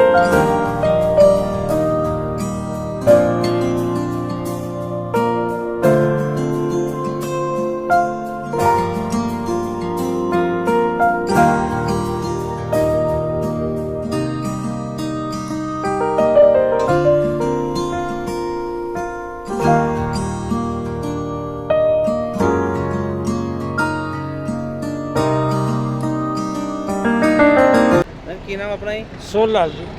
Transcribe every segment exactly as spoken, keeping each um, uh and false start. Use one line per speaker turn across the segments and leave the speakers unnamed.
ਕੀ ਨਾਮ ਆਪਣਾ ਜੀ?
सोल लाल जी।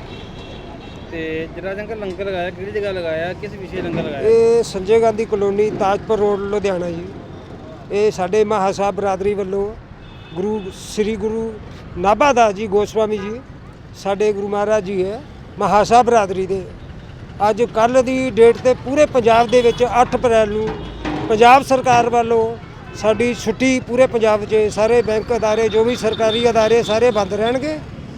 ਤੇ ਜਿਹੜਾ ਜੰਕਰ ਲੰਗਰ ਲਗਾਇਆ ਕਿਹੜੀ ਜਗ੍ਹਾ ਲਗਾਇਆ, ਕਿਸ ਵਿਸ਼ੇ ਲੰਗਰ ਲਗਾਇਆ?
ਇਹ ਸੰਜੇ ਗਾਂਧੀ ਕਲੋਨੀ ਤਾਜਪੁਰ ਰੋਡ ਲੁਧਿਆਣਾ ਜੀ। ਇਹ ਸਾਡੇ ਮਹਾ ਸਾਹਿਬ ਬਰਾਦਰੀ ਵੱਲੋਂ ਗੁਰੂ ਸ੍ਰੀ ਗੁਰੂ ਨਾਭਾ ਦਾਸ ਜੀ ਗੋਸਵਾਮੀ ਜੀ ਸਾਡੇ ਗੁਰੂ ਮਹਾਰਾਜ ਜੀ ਹੈ ਮਹਾ ਸਾਹਿਬ ਬਰਾਦਰੀ ਦੇ। ਅੱਜ ਕੱਲ੍ਹ ਦੀ ਡੇਟ ਤੇ ਪੂਰੇ ਪੰਜਾਬ ਦੇ ਵਿੱਚ ਅੱਠ ਅਪ੍ਰੈਲ ਨੂੰ ਪੰਜਾਬ ਸਰਕਾਰ ਵੱਲੋਂ ਸਾਡੀ ਛੁੱਟੀ ਪੂਰੇ ਪੰਜਾਬ 'ਚ ਸਾਰੇ ਬੈਂਕ ਅਦਾਰੇ ਜੋ ਵੀ ਸਰਕਾਰੀ ਅਦਾਰੇ ਸਾਰੇ ਬੰਦ ਰਹਿਣਗੇ।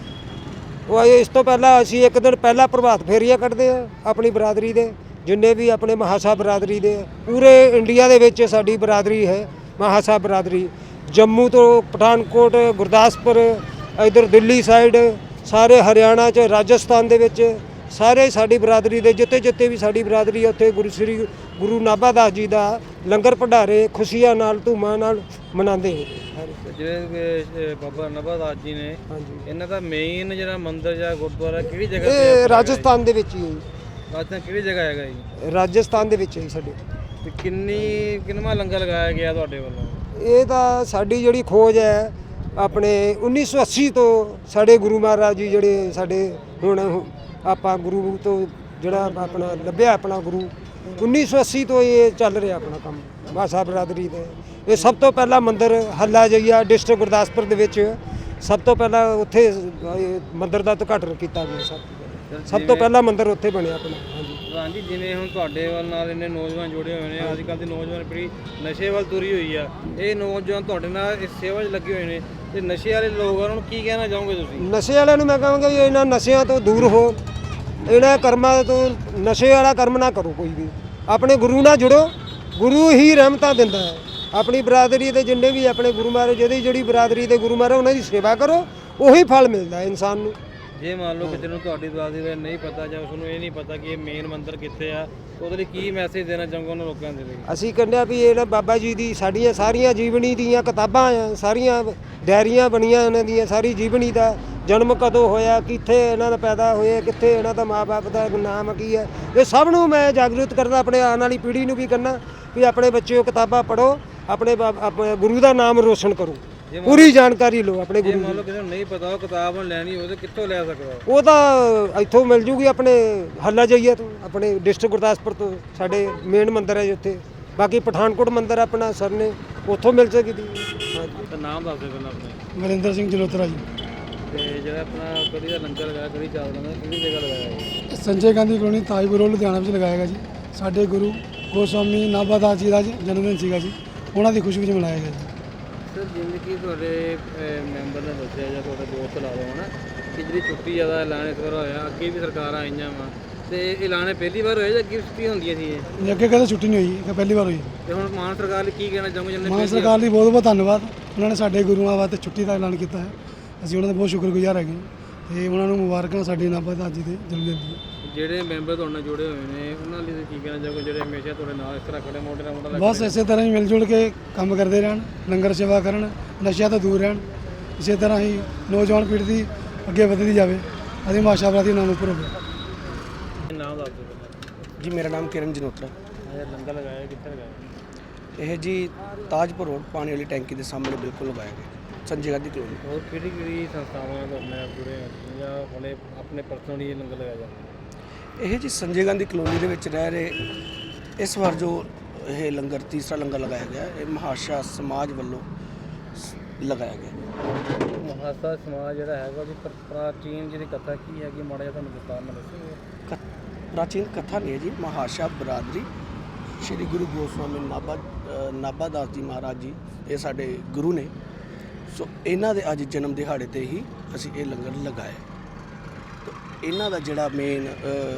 ਉਹ ਇਸ ਤੋਂ ਪਹਿਲਾਂ ਅਸੀਂ ਇੱਕ ਦਿਨ ਪਹਿਲਾਂ ਪ੍ਰਭਾਤ ਫੇਰੀਆਂ ਕੱਢਦੇ ਆ ਆਪਣੀ ਬਰਾਦਰੀ ਦੇ ਜਿੰਨੇ ਵੀ ਆਪਣੇ ਮਹਾ ਸਾਹਿਬ ਬਰਾਦਰੀ ਦੇ ਪੂਰੇ ਇੰਡੀਆ ਦੇ ਵਿੱਚ ਸਾਡੀ ਬਰਾਦਰੀ ਹੈ ਮਹਾ ਸਾਹਿਬ ਬਰਾਦਰੀ। ਜੰਮੂ ਤੋਂ ਪਠਾਨਕੋਟ ਗੁਰਦਾਸਪੁਰ ਇੱਧਰ ਦਿੱਲੀ ਸਾਈਡ ਸਾਰੇ ਹਰਿਆਣਾ 'ਚ ਰਾਜਸਥਾਨ ਦੇ ਵਿੱਚ ਸਾਰੇ ਸਾਡੀ ਬਰਾਦਰੀ ਦੇ ਜਿੱਥੇ ਜਿੱਥੇ ਵੀ ਸਾਡੀ ਬਰਾਦਰੀ ਹੈ ਉੱਥੇ ਗੁਰੂ ਸ੍ਰੀ ਗੁਰੂ ਨਾਭਾ ਦਾਸ ਜੀ ਦਾ ਲੰਗਰ ਭੰਡਾਰੇ ਖੁਸ਼ੀਆਂ ਨਾਲ ਧੂਮਾਂ ਨਾਲ ਮਨਾਉਂਦੇ ਹੈ।
ਜਿਹੜੇ ਬਾਬਾ ਨਾਭਾ ਦਾਸ ਜੀ ਨੇ
ਹਾਂਜੀ
ਇਹਨਾਂ ਦਾ ਮੇਨ ਜਿਹੜਾ ਮੰਦਿਰ ਜਾਂ ਗੁਰਦੁਆਰਾ ਕਿਹੜੀ ਜਗ੍ਹਾ ਤੇ?
ਇਹ ਰਾਜਸਥਾਨ ਦੇ ਵਿੱਚ ਹੀ ਹੈ ਜੀ।
ਰਾਜਸਥਾਨ ਕਿਹੜੀ ਜਗ੍ਹਾ ਹੈਗਾ ਜੀ?
ਰਾਜਸਥਾਨ ਦੇ ਵਿੱਚ ਹੈ ਸਾਡੇ।
ਤੇ ਕਿੰਨੀ ਕਿੰਨਵਾਂ ਲੰਗਰ ਲਗਾਇਆ ਗਿਆ ਤੁਹਾਡੇ ਵੱਲੋਂ?
ਇਹ ਤਾਂ ਸਾਡੀ ਜਿਹੜੀ ਖੋਜ ਹੈ ਆਪਣੇ ਉੱਨੀ ਸੌ ਅੱਸੀ ਤੋਂ ਸਾਡੇ ਗੁਰੂ ਮਹਾਰਾਜ ਜੀ ਜਿਹੜੇ ਸਾਡੇ ਹੁਣ ਆਪਾਂ ਗੁਰੂ ਤੋਂ ਜਿਹੜਾ ਆਪਣਾ ਲੱਭਿਆ ਆਪਣਾ ਗੁਰੂ ਉੱਨੀ ਸੌ ਅੱਸੀ ਤੋਂ ਇਹ ਚੱਲ ਰਿਹਾ ਆਪਣਾ ਕੰਮ ਮਹਾ ਸਾਹਿਬ ਬਰਾਦਰੀ ਦੇ। ਇਹ ਸਭ ਤੋਂ ਪਹਿਲਾ ਮੰਦਿਰ ਹੱਲਾ ਜਈਆ ਡਿਸਟ੍ਰਿਕਟ ਗੁਰਦਾਸਪੁਰ ਦੇ ਵਿੱਚ ਸਭ ਤੋਂ ਪਹਿਲਾਂ ਉੱਥੇ ਮੰਦਿਰ ਦਾ ਉਦਘਾਟਨ ਕੀਤਾ ਗਿਆ। ਸਭ ਸਭ ਤੋਂ ਪਹਿਲਾ ਮੰਦਿਰ ਉੱਥੇ ਬਣਿਆ ਆਪਣਾ। ਹਾਂਜੀ
ਹਾਂਜੀ, ਜਿਵੇਂ ਹੁਣ ਤੁਹਾਡੇ ਵੱਲ ਨਾਲ ਇੰਨੇ ਨੌਜਵਾਨ ਜੁੜੇ ਹੋਏ ਨੇ, ਅੱਜ ਕੱਲ੍ਹ ਦੀ ਨੌਜਵਾਨ ਪੀੜ੍ਹੀ ਨਸ਼ੇ ਵੱਲ ਤੁਰੀ ਹੋਈ ਆ, ਇਹ ਨੌਜਵਾਨ ਤੁਹਾਡੇ ਨਾਲ ਇਸ ਸੇਵਾ 'ਚ ਲੱਗੇ ਹੋਏ ਨੇ ਤੇ ਨਸ਼ੇ ਵਾਲੇ ਲੋਕ ਉਹਨਾਂ ਨੂੰ ਕੀ ਕਹਿਣਾ ਚਾਹੋਗੇ ਤੁਸੀਂ?
ਨਸ਼ੇ ਵਾਲਿਆਂ ਨੂੰ ਮੈਂ ਕਹਾਂਗਾ ਵੀ ਇਹਨਾਂ ਨਸ਼ਿਆਂ ਤੋਂ ਦੂਰ ਹੋ, ਇਹਨਾਂ ਕਰਮਾਂ ਤੋਂ ਨਸ਼ੇ ਵਾਲਾ ਕਰਮ ਨਾ ਕਰੋ ਕੋਈ ਵੀ। ਆਪਣੇ ਗੁਰੂ ਨਾਲ ਜੁੜੋ, ਗੁਰੂ ਹੀ ਰਹਿਮਤਾਂ ਦਿੰਦਾ ਹੈ। ਆਪਣੀ ਬਰਾਦਰੀ ਦੇ ਜਿੰਨੇ ਵੀ ਆਪਣੇ ਗੁਰੂ ਮਹਾਰਾਜ ਜਿਹਦੀ ਜਿਹੜੀ ਬਰਾਦਰੀ ਦੇ ਗੁਰੂ ਮਹਾਰਾਜ ਉਹਨਾਂ ਦੀ ਸੇਵਾ ਕਰੋ, ਉਹੀ ਫਲ ਮਿਲਦਾ ਇਨਸਾਨ ਨੂੰ।
ਜੇ ਮੰਨ ਲਓ ਕਿਸੇ ਨੂੰ ਤੁਹਾਡੀ ਬਰਾਦਰੀ ਦਾ ਨਹੀਂ ਪਤਾ ਜਾਂ ਉਸਨੂੰ ਇਹ ਨਹੀਂ ਪਤਾ ਕਿ ਇਹ ਮੇਨ ਮੰਦਿਰ ਕਿੱਥੇ ਆ, ਉਹਦੇ ਲਈ ਕੀ ਮੈਸੇਜ ਦੇਣਾ ਚਾਹੋਗੇ ਉਹਨਾਂ ਲੋਕਾਂ ਦੇ ਲਈ?
ਅਸੀਂ ਕਹਿੰਦੇ ਆ ਵੀ ਇਹ ਨਾ ਬਾਬਾ ਜੀ ਦੀ ਸਾਡੀਆਂ ਸਾਰੀਆਂ ਜੀਵਨੀ ਦੀਆਂ ਕਿਤਾਬਾਂ ਆ, ਸਾਰੀਆਂ ਡਾਇਰੀਆਂ ਬਣੀਆਂ ਇਹਨਾਂ ਦੀਆਂ, ਸਾਰੀ ਜੀਵਨੀ ਦਾ ਜਨਮ ਕਦੋਂ ਹੋਇਆ, ਕਿੱਥੇ ਇਹਨਾਂ ਦਾ ਪੈਦਾ ਹੋਏ, ਕਿੱਥੇ ਇਹਨਾਂ ਦਾ ਮਾਂ-ਬਾਪ ਦਾ ਨਾਮ ਕੀ ਹੈ, ਇਹ ਸਭ ਨੂੰ ਮੈਂ ਜਾਗਰੂਕ ਕਰਨਾ, ਆਪਣੇ ਆਉਣ ਵਾਲੀ ਪੀੜ੍ਹੀ ਨੂੰ ਵੀ ਕਰਨਾ ਵੀ ਆਪਣੇ ਬੱਚਿਓ ਕਿਤਾਬਾਂ ਪੜ੍ਹੋ, ਆਪਣੇ ਆਪਣੇ ਗੁਰੂ ਦਾ ਨਾਮ ਰੋਸ਼ਨ ਕਰੋ, ਪੂਰੀ ਜਾਣਕਾਰੀ ਲਓ ਆਪਣੇ ਗੁਰੂ ਦੀ।
ਮੰਨ ਲਓ ਕਿਸੇ ਨੂੰ ਨਹੀਂ ਪਤਾ ਉਹ ਕਿਤਾਬ ਲੈਣੀ ਹੋਵੇ ਤਾਂ ਕਿੱਥੋਂ ਲੈ ਸਕਦਾ?
ਉਹ ਤਾਂ ਇੱਥੋਂ ਮਿਲ ਜੂਗੀ ਆਪਣੇ ਹੱਲਾ ਜਾਈਏ ਤੋਂ, ਆਪਣੇ ਡਿਸਟ੍ਰਿਕਟ ਗੁਰਦਾਸਪੁਰ ਤੋਂ ਸਾਡੇ ਮੇਨ ਮੰਦਿਰ ਹੈ ਉੱਥੇ। ਬਾਕੀ ਪਠਾਨਕੋਟ ਮੰਦਿਰ ਆਪਣਾ ਸਰ ਨੇ ਉੱਥੋਂ ਮਿਲ ਸਕਦੀ। ਹਾਂਜੀ
ਤਾਂ ਨਾਮ ਦੱਸ ਦਿਓ ਪਹਿਲਾਂ ਆਪਣੇ।
ਮਰਿੰਦਰ ਸਿੰਘ ਜਲੋਤਰਾ ਜੀ।
ਤੇ ਜਿਹੜਾ ਆਪਣਾ ਕਦੀ ਦਾ ਲੰਗਰ ਲਗਾਇਆ, ਕਦੀ ਚਾਵਲ ਦਾ ਕਿਹੜੀ ਜਗ੍ਹਾ ਲਗਾਇਆ ਜੀ?
ਸੰਜੇ ਗਾਂਧੀ ਕਲੋਨੀ ਤਾਜਪੁਰ ਰੋਡ ਲੁਧਿਆਣਾ ਵਿੱਚ ਲਗਾਇਆ ਗਿਆ ਜੀ। ਸਾਡੇ ਗੁਰੂ ਗੋਸਵਾਮੀ ਨਾਭਾ ਦਾਸ ਜੀ ਦਾ ਜਨਮ ਦਿਨ ਸੀਗਾ ਜੀ, ਉਹਨਾਂ ਦੀ ਖੁਸ਼ੀ ਵਿੱਚ ਮਨਾਇਆ ਗਿਆ ਜੀ।
ਸਰ ਜਿਵੇਂ ਕਿ ਤੁਹਾਡੇ ਮੈਂਬਰ ਨੇ ਦੱਸਿਆ ਜਾਂ ਤੁਹਾਡੇ ਦੋਸਤ ਲਾ ਲਓ ਨਾ ਕਿ ਜਿਹੜੀ ਛੁੱਟੀ ਜ਼ਿਆਦਾ ਐਲਾਨ ਇਸ ਵਾਰ ਹੋਇਆ, ਅੱਗੇ ਵੀ ਸਰਕਾਰਾਂ ਆਈਆਂ ਵਾ ਤੇ ਐਲਾਨ ਪਹਿਲੀ ਵਾਰ ਹੋਇਆ ਜਾਂ ਅੱਗੇ ਛੁੱਟੀ ਹੁੰਦੀਆਂ ਸੀ ਇਹ?
ਅੱਗੇ ਕਦੇ ਛੁੱਟੀ ਨਹੀਂ ਹੋਈ, ਇਹ ਪਹਿਲੀ ਵਾਰ ਹੋਈ।
ਤੇ ਹੁਣ ਮਾਨ ਸਰਕਾਰ ਲਈ ਕੀ ਕਹਿਣਾ ਚਾਹੋਗੇ? ਜਿਹਨੇ
ਮਾਨ ਸਰਕਾਰ ਲਈ ਬਹੁਤ ਬਹੁਤ ਧੰਨਵਾਦ, ਉਹਨਾਂ ਨੇ ਸਾਡੇ ਗੁਰੂਆਂ ਵਾਸਤੇ ਛੁੱਟੀ ਦਾ ਐਲਾਨ ਕੀਤਾ ਹੈ। ਅਸੀਂ ਉਹਨਾਂ ਦੇ ਬਹੁਤ ਸ਼ੁਕਰਗੁਜ਼ਾਰ ਹੈਗੇ ਤੇ ਉਹਨਾਂ ਨੂੰ ਮੁਬਾਰਕਾਂ ਸਾਡੇ ਨਾਭਾ ਦਾਸ ਜੀ ਦੇ ਜਨਮ ਦਿਨ ਦੀਆਂ।
ਜਿਹੜੇ ਮੈਂਬਰ ਤੁਹਾਡੇ ਨਾਲ ਜੁੜੇ ਹੋਏ ਨੇ ਉਹਨਾਂ ਲਈ ਕੀ ਕਹਿਣਾ ਚਾਹੋਗੇ ਜਿਹੜੇ ਹਮੇਸ਼ਾ ਤੁਹਾਡੇ ਨਾਲ ਇਸ ਤਰ੍ਹਾਂ ਖੜੇ ਮੋਢੇ ਨਾਲ ਮੋਢਾ ਲਾ ਕੇ?
ਬਸ ਇਸੇ ਤਰ੍ਹਾਂ ਹੀ ਮਿਲ ਜੁਲ ਕੇ ਕੰਮ ਕਰਦੇ ਰਹਿਣ, ਲੰਗਰ ਸੇਵਾ ਕਰਨ, ਨਸ਼ਿਆਂ ਤੋਂ ਦੂਰ ਰਹਿਣ। ਇਸੇ ਤਰ੍ਹਾਂ ਹੀ ਨੌਜਵਾਨ ਪੀੜ੍ਹੀ ਦੀ ਅੱਗੇ ਵਧਦੀ ਜਾਵੇ, ਅਸੀਂ ਮਾਸ਼ਾ ਬਰਾਦੀ ਨਾਮ ਉੱਪਰ ਹੋਵੇ।
ਨਾਮ ਦੱਸ ਦਿਓ
ਜੀ। ਮੇਰਾ ਨਾਮ ਕਿਰਨ ਜਨੋਤਰਾ।
ਇਹ ਲੰਗਰ ਲਗਾਇਆ ਕਿੱਥੇ ਲਗਾਇਆ?
ਇਹ ਜੀ ਤਾਜਪੁਰ ਰੋਡ ਪਾਣੀ ਵਾਲੀ ਟੈਂਕੀ ਦੇ ਸਾਹਮਣੇ ਬਿਲਕੁਲ ਲਗਾਇਆ ਗਿਆ, ਸੰਜੇ ਗਾਂਧੀ ਕਲੋਨੀ।
ਹੋਰ ਕਿਹੜੀ ਕਿਹੜੀ ਸੰਸਥਾਵਾਂ ਤੋਂ ਆਪਣੇ ਪੂਰੇ ਜਾਂ ਆਪਣੇ ਆਪਣੇ ਪਰਸਨਲੀ ਲੰਗਰ ਲਗਾਇਆ ਜਾਂਦਾ?
ਇਹ ਜੀ ਸੰਜੇ ਗਾਂਧੀ ਕਲੋਨੀ ਦੇ ਵਿੱਚ ਰਹਿ ਰਹੇ ਇਸ ਵਾਰ ਜੋ ਇਹ ਲੰਗਰ ਤੀਸਰਾ ਲੰਗਰ ਲਗਾਇਆ ਗਿਆ, ਇਹ ਮਹਾਸ਼ਾ ਸਮਾਜ ਵੱਲੋਂ ਲਗਾਇਆ ਗਿਆ।
ਮਹਾਸ਼ਾ ਸਮਾਜ ਜਿਹੜਾ ਹੈਗਾ ਉਹਦੀ ਪ੍ਰਾਚੀਨ ਜਿਹੜੀ ਕਥਾ ਕੀ ਹੈਗੀ, ਮਾੜਾ ਜਿਹਾ ਤੁਹਾਨੂੰ ਵਿਸਤਾਰ ਨਾਲ ਦੱਸੋਗੇ?
ਪ੍ਰਾਚੀਨ ਕਥਾ ਨਹੀਂ ਹੈ ਜੀ, ਮਹਾਸ਼ਾ ਬਰਾਦਰੀ ਸ਼੍ਰੀ ਗੁਰੂ ਗੋਸਵਾਮੀ ਨਾਭਾ ਨਾਭਾ ਦਾਸ ਜੀ ਮਹਾਰਾਜ ਜੀ ਇਹ ਸਾਡੇ ਗੁਰੂ ਨੇ। ਸੋ ਇਹਨਾਂ ਦੇ ਅੱਜ ਜਨਮ ਦਿਹਾੜੇ ਤੇ ਹੀ ਅਸੀਂ ਇਹ ਲੰਗਰ ਲਗਾਇਆ। ਇਹਨਾਂ ਦਾ ਜਿਹੜਾ ਮੇਨ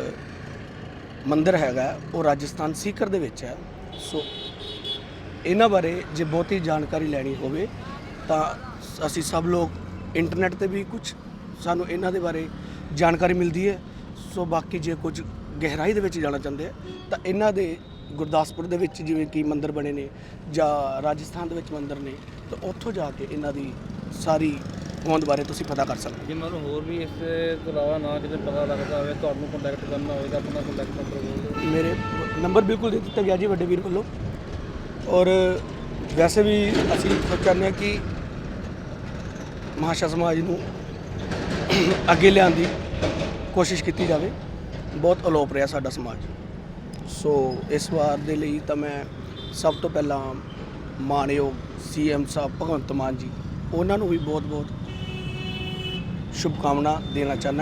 ਮੰਦਿਰ ਹੈਗਾ ਉਹ ਰਾਜਸਥਾਨ ਸੀਕਰ ਦੇ ਵਿੱਚ ਹੈ। ਸੋ ਇਹਨਾਂ ਬਾਰੇ ਜੇ ਬਹੁਤੀ ਜਾਣਕਾਰੀ ਲੈਣੀ ਹੋਵੇ ਤਾਂ ਅਸੀਂ ਸਭ ਲੋਕ ਇੰਟਰਨੈਟ ਤੇ ਵੀ ਕੁਝ ਸਾਨੂੰ ਇਹਨਾਂ ਦੇ ਬਾਰੇ ਜਾਣਕਾਰੀ ਮਿਲਦੀ ਹੈ। ਸੋ ਬਾਕੀ ਜੇ ਕੁਝ ਗਹਿਰਾਈ ਦੇ ਵਿੱਚ ਜਾਣਾ ਚਾਹੁੰਦੇ ਆ ਤਾਂ ਇਹਨਾਂ ਦੇ ਗੁਰਦਾਸਪੁਰ ਦੇ ਵਿੱਚ ਜਿਵੇਂ ਕਿ ਮੰਦਿਰ ਬਣੇ ਨੇ ਜਾਂ ਰਾਜਸਥਾਨ ਦੇ ਵਿੱਚ ਮੰਦਿਰ ਨੇ, ਤਾਂ ਉੱਥੋਂ ਜਾ ਕੇ ਇਹਨਾਂ ਦੀ ਸਾਰੀ ਹੋਂਦ ਬਾਰੇ ਤੁਸੀਂ ਪਤਾ ਕਰ ਸਕਦੇ
ਜੇ ਮੈਨੂੰ ਹੋਰ ਵੀ ਇਸ ਤੋਂ ਇਲਾਵਾ ਨਾ ਕਿਤੇ ਪਤਾ ਲੱਗਦਾ ਹੋਵੇ, ਤੁਹਾਨੂੰ ਕੰਟੈਕਟ ਕਰਨਾ ਹੋਵੇ ਤਾਂ ਆਪਣਾ ਕੰਟੈਕਟ ਨੰਬਰ ਬੋਲ ਦਿਓ।
ਹੋ। ਮੇਰੇ ਨੰਬਰ ਬਿਲਕੁਲ ਦੇ ਦਿੱਤਾ ਗਿਆ ਜੀ ਵੱਡੇ ਵੀਰ ਵੱਲੋਂ। ਔਰ ਵੈਸੇ ਵੀ ਅਸੀਂ ਸੋਚ ਚਾਹੁੰਦੇ ਹਾਂ ਕਿ ਮਹਾਸ਼ਾ ਸਮਾਜ ਨੂੰ ਅੱਗੇ ਲਿਆਉਣ ਦੀ ਕੋਸ਼ਿਸ਼ ਕੀਤੀ ਜਾਵੇ। ਬਹੁਤ ਅਲੋਪ ਰਿਹਾ ਸਾਡਾ ਸਮਾਜ। ਸੋ ਇਸ ਵਾਰ ਦੇ ਲਈ ਤਾਂ ਮੈਂ ਸਭ ਤੋਂ ਪਹਿਲਾਂ ਮਾਣਯੋਗ ਸੀ ਐਮ ਸਾਹਿਬ ਭਗਵੰਤ ਮਾਨ ਜੀ, ਉਹਨਾਂ ਨੂੰ ਵੀ ਬਹੁਤ ਬਹੁਤ ਸ਼ੁਭਕਾਮਨਾ ਦੇਣਾ ਚਾਹੁੰਦਾ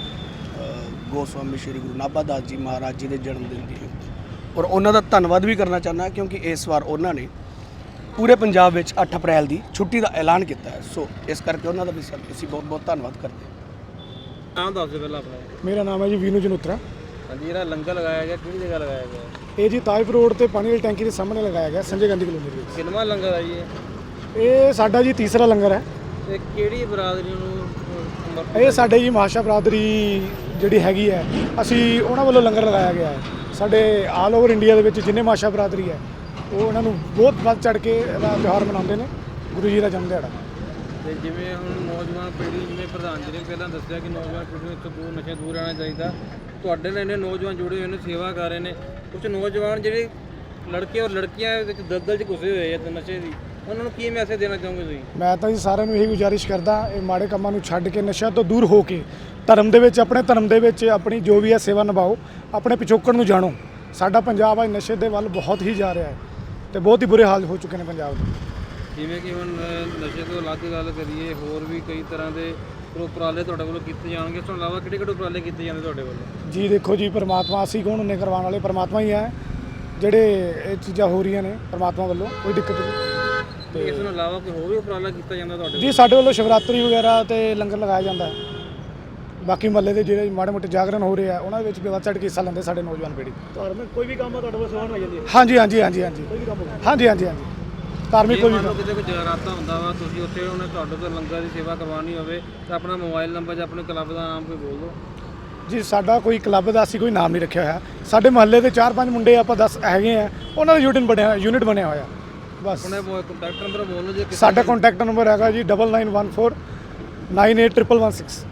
ਹਾਂ ਗੋਸਵਾਮੀ ਸ਼੍ਰੀ ਗੁਰੂ ਨਾਭਾ ਦਾਸ ਜੀ ਮਹਾਰਾਜ ਜੀ ਦੇ ਜਨਮ ਦਿਨ ਦੀ। ਔਰ ਉਹਨਾਂ ਦਾ ਧੰਨਵਾਦ ਵੀ ਕਰਨਾ ਚਾਹੁੰਦਾ ਕਿਉਂਕਿ ਇਸ ਵਾਰ ਉਹਨਾਂ ਨੇ ਪੂਰੇ ਪੰਜਾਬ ਵਿੱਚ ਅੱਠ ਅਪ੍ਰੈਲ ਦੀ ਛੁੱਟੀ ਦਾ ਐਲਾਨ ਕੀਤਾ ਹੈ। ਸੋ ਇਸ ਕਰਕੇ ਉਹਨਾਂ ਦਾ ਵੀ ਸਾ- ਅਸੀਂ ਬਹੁਤ ਬਹੁਤ ਧੰਨਵਾਦ ਕਰਦੇ ਹਾਂ।
ਨਾਮ ਦੱਸ ਦਿਓ ਪਹਿਲਾਂ ਆਪਣਾ।
ਮੇਰਾ ਨਾਮ ਹੈ ਜੀ ਵੀਨੂ ਜਨੋਤਰਾ।
ਹਾਂਜੀ, ਜਿਹੜਾ ਲੰਗਰ ਲਗਾਇਆ ਗਿਆ ਕਿਹੜੀ ਜਗ੍ਹਾ ਲਗਾਇਆ ਗਿਆ?
ਇਹ ਜੀ ਤਾਜਪੁਰ ਰੋਡ ਤੇ ਪਾਣੀ ਵਾਲੀ ਟੈਂਕੀ ਦੇ ਸਾਹਮਣੇ ਲਗਾਇਆ ਗਿਆ, ਸੰਜੇ ਗਾਂਧੀ ਕਲੋਨੀ ਦੇ ਵਿੱਚ।
ਕਿੰਨਵਾਂ ਲੰਗਰ ਆ ਜੀ ਇਹ?
ਇਹ ਸਾਡਾ ਜੀ ਤੀਸਰਾ ਲੰਗਰ ਹੈ।
ਤੇ ਕਿਹੜੀ ਬਰਾਦਰੀ ਨੂੰ ਸਮਰਪਿਤ?
ਇਹ ਸਾਡੇ ਜੀ ਮਹਾਸ਼ਾ ਬਰਾਦਰੀ ਜਿਹੜੀ ਹੈਗੀ ਹੈ, ਅਸੀਂ ਉਹਨਾਂ ਵੱਲੋਂ ਲੰਗਰ ਲਗਾਇਆ ਗਿਆ ਹੈ। ਸਾਡੇ ਆਲ ਓਵਰ ਇੰਡੀਆ ਦੇ ਵਿੱਚ ਜਿੰਨੇ ਮਹਾਸ਼ਾ ਬਰਾਦਰੀ ਹੈ, ਉਹ ਉਹਨਾਂ ਨੂੰ ਬਹੁਤ ਵੱਧ ਚੜ ਕੇ ਇਹਦਾ ਤਿਉਹਾਰ ਮਨਾਉਂਦੇ ਨੇ, ਗੁਰੂ ਜੀ ਦਾ ਜਨਮ ਦਿਹਾੜਾ।
ਤੇ ਜਿਵੇਂ ਹੁਣ ਨੌਜਵਾਨ ਪੀੜ੍ਹੀ, ਜਿਵੇਂ ਪ੍ਰਧਾਨ ਜੀ ਨੇ ਪਹਿਲਾਂ ਦੱਸਿਆ ਕਿ ਨੌਜਵਾਨ ਪੀੜ੍ਹੀ ਨੂੰ ਇੱਥੋਂ ਦੂਰ ਨਸ਼ੇ ਦੂਰ ਰਹਿਣਾ ਚਾਹੀਦਾ, ਤੁਹਾਡੇ ਨਾਲ ਇੰਨੇ ਨੌਜਵਾਨ ਜੁੜੇ ਹੋਏ ਨੇ, ਸੇਵਾ ਕਰ ਰਹੇ ਨੇ। ਕੁਝ ਨੌਜਵਾਨ ਜਿਹੜੇ ਲੜਕੇ ਔਰ ਲੜਕੀਆਂ ਵਿੱਚ ਦਲਦਲ 'ਚ ਘੁਸੇ ਹੋਏ ਆ ਤੇ ਨਸ਼ੇ ਦੀ, ਉਹਨਾਂ ਨੂੰ ਕੀ ਮੈਸੇਜ ਦੇਣਾ ਚਾਹੋਗੇ ਤੁਸੀਂ?
ਮੈਂ ਤਾਂ ਜੀ ਸਾਰਿਆਂ ਨੂੰ ਇਹੀ ਗੁਜ਼ਾਰਿਸ਼ ਕਰਦਾ, ਇਹ ਮਾੜੇ ਕੰਮਾਂ ਨੂੰ ਛੱਡ ਕੇ ਨਸ਼ਿਆਂ ਤੋਂ ਦੂਰ ਹੋ ਕੇ ਧਰਮ ਦੇ ਵਿੱਚ, ਆਪਣੇ ਧਰਮ ਦੇ ਵਿੱਚ ਆਪਣੀ ਜੋ ਵੀ ਹੈ ਸੇਵਾ ਨਿਭਾਓ, ਆਪਣੇ ਪਿਛੋਕੜ ਨੂੰ ਜਾਣੋ। ਸਾਡਾ ਪੰਜਾਬ ਅੱਜ ਨਸ਼ੇ ਦੇ ਵੱਲ ਬਹੁਤ ਹੀ ਜਾ ਰਿਹਾ ਹੈ ਤੇ ਬਹੁਤ ਹੀ ਬੁਰੇ ਹਾਲ ਹੋ ਚੁੱਕੇ ਨੇ ਪੰਜਾਬ ਦੇ।
ਜਿਵੇਂ ਕਿ ਹੁਣ ਅ, ਨਸ਼ੇ ਤੋਂ ਅਲੱਗ ਗੱਲ ਕਰੀਏ, ਹੋਰ ਵੀ ਕਈ ਤਰ੍ਹਾਂ ਦੇ ਉਪਰਾਲੇ ਤੁਹਾਡੇ ਵੱਲੋਂ ਕੀਤੇ ਜਾਣਗੇ। ਇਸ ਤੋਂ ਇਲਾਵਾ ਕਿਹੜੇ ਕਿਹੜੇ ਉਪਰਾਲੇ ਕੀਤੇ ਜਾਂਦੇ ਤੁਹਾਡੇ ਵੱਲੋਂ?
ਜੀ ਦੇਖੋ ਜੀ, ਪਰਮਾਤਮਾ ਅਸੀਂ ਕੌਣ ਹੁੰਨੇ ਕਰਵਾਉਣ ਵਾਲੇ, ਪਰਮਾਤਮਾ ਹੀ ਹੈ। ਜਿਹੜੇ ਇਹ ਚੀਜ਼ਾਂ ਹੋ ਰਹੀਆਂ ਨੇ ਪਰਮਾਤਮਾ ਵੱਲੋਂ, ਕੋਈ ਦਿੱਕਤ ਨਹੀਂ।
ਤੇ ਇਸ ਤੋਂ ਇਲਾਵਾ ਕੋਈ ਹੋਰ ਵੀ ਉਪਰਾਲਾ ਕੀਤਾ ਜਾਂਦਾ ਤੁਹਾਡੇ
ਜੀ ਸਾਡੇ ਵੱਲੋਂ ਸ਼ਿਵਰਾਤਰੀ ਵਗੈਰਾ ਤੇ ਲੰਗਰ ਲਗਾਇਆ ਜਾਂਦਾ ਹੈ। ਬਾਕੀ ਮਹੱਲੇ ਦੇ ਜਿਹੜੇ ਮਾੜੇ ਮੋਟੇ ਜਾਗਰਣ ਹੋ ਰਹੇ ਆ, ਉਹਨਾਂ ਦੇ ਵਿੱਚ ਵੀ ਵੱਧ ਚੜ੍ਹ ਕੇ ਹਿੱਸਾ ਲੈਂਦੇ ਸਾਡੇ ਨੌਜਵਾਨ ਪੀੜ੍ਹੀ।
ਧਾਰਮਿਕ ਕੋਈ ਵੀ ਕੰਮ ਆ ਤੁਹਾਡੇ ਕੋਲ ਸੇਵਾ ਨਿਭਾਈ ਜਾਂਦੀ ਹੈ?
ਹਾਂਜੀ ਹਾਂਜੀ ਹਾਂਜੀ ਹਾਂਜੀ
ਕੋਈ ਵੀ ਕੰਮ ਹੋਵੇ?
ਹਾਂਜੀ ਹਾਂਜੀ ਹਾਂਜੀ ਧਾਰਮਿਕ ਕੋਈ ਵੀ
ਮੰਨ ਲਓ
ਕੰਮ।
ਕਿਤੇ ਕੋਈ ਜਗਰਾਤਾ ਹੁੰਦਾ ਵਾ, ਤੁਸੀਂ ਉੱਥੇ ਉਹਨੇ ਤੁਹਾਡੇ ਤੋਂ ਲੰਗਰ ਦੀ ਸੇਵਾ ਕਰਵਾਉਣੀ ਹੋਵੇ ਤਾਂ ਆਪਣਾ ਮੋਬਾਈਲ ਨੰਬਰ ਜਾਂ ਆਪਣੇ ਕਲੱਬ ਦਾ ਨਾਮ ਕੋਈ ਬੋਲ ਦਿਓ।
ਜੀ ਸਾਡਾ ਕੋਈ ਕਲੱਬ ਦਾ ਅਸੀਂ ਕੋਈ ਨਾਮ ਨਹੀਂ ਰੱਖਿਆ ਹੋਇਆ। ਸਾਡੇ ਮਹੱਲੇ ਦੇ ਚਾਰ ਪੰਜ ਮੁੰਡੇ ਆਪਾਂ ਦਸ ਹੈਗੇ ਆ, ਉਹਨਾਂ ਦਾ ਯੂਨਿਟ ਬਣਿਆ ਯੂਨਿਟ ਬਣਿਆ ਹੋਇਆ ਬਸ।
ਆਪਣੇ ਕੰਟੈਕਟ ਨੰਬਰ ਬੋਲ ਲਓ ਜੇ ਕਿਸੇ
ਸਾਡਾ ਕੰਟੈਕਟ ਨੰਬਰ ਹੈਗਾ ਜੀ double nine one four nine eight triple one six.